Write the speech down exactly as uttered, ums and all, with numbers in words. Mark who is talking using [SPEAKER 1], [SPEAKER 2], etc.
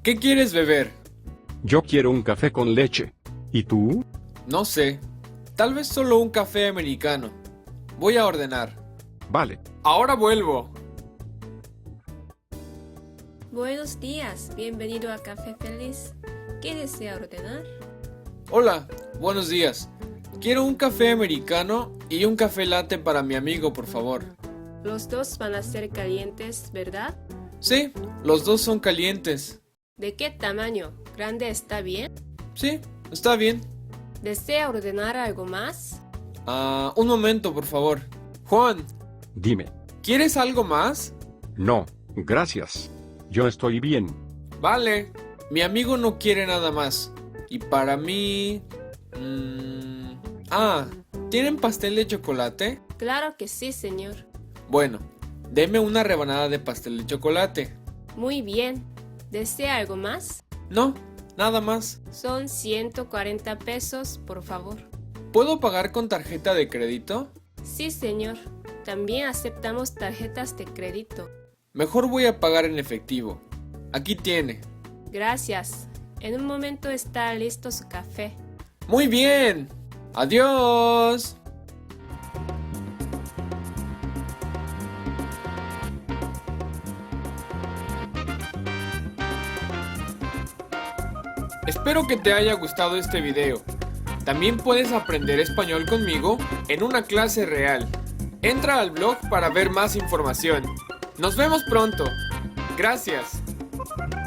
[SPEAKER 1] ¿Qué quieres beber?
[SPEAKER 2] Yo quiero un café con leche. ¿Y tú?
[SPEAKER 1] No sé. Tal vez solo un café americano. Voy a ordenar.
[SPEAKER 2] Vale.
[SPEAKER 1] Ahora vuelvo.
[SPEAKER 3] Buenos días, bienvenido a Café Feliz. ¿Qué desea ordenar?
[SPEAKER 1] Hola, buenos días. Quiero un café americano y un café latte para mi amigo, por favor.
[SPEAKER 3] Los dos van a ser calientes, ¿verdad?
[SPEAKER 1] Sí, los dos son calientes.
[SPEAKER 3] ¿De qué tamaño? ¿Grande está bien?
[SPEAKER 1] Sí, está bien.
[SPEAKER 3] ¿Desea ordenar algo más?
[SPEAKER 1] Ah, un momento, por favor. Juan,
[SPEAKER 2] Dime.
[SPEAKER 1] ¿quieres algo más?
[SPEAKER 2] No, gracias. Yo estoy bien.
[SPEAKER 1] Vale, mi amigo no quiere nada más. Y para mí... mm, ah, ¿tienen pastel de chocolate?
[SPEAKER 3] Claro que sí, señor.
[SPEAKER 1] Bueno, deme una rebanada de pastel de chocolate.
[SPEAKER 3] Muy bien. ¿Desea algo más?
[SPEAKER 1] No, nada más.
[SPEAKER 3] Son ciento cuarenta pesos, por favor.
[SPEAKER 1] ¿Puedo pagar con tarjeta de crédito?
[SPEAKER 3] Sí, señor. También aceptamos tarjetas de crédito.
[SPEAKER 1] Mejor voy a pagar en efectivo. Aquí tiene.
[SPEAKER 3] Gracias. En un momento está listo su café.
[SPEAKER 1] Muy bien. Adiós. Espero que te haya gustado este video. También puedes aprender español conmigo en una clase real. Entra al blog para ver más información. Nos vemos pronto. Gracias.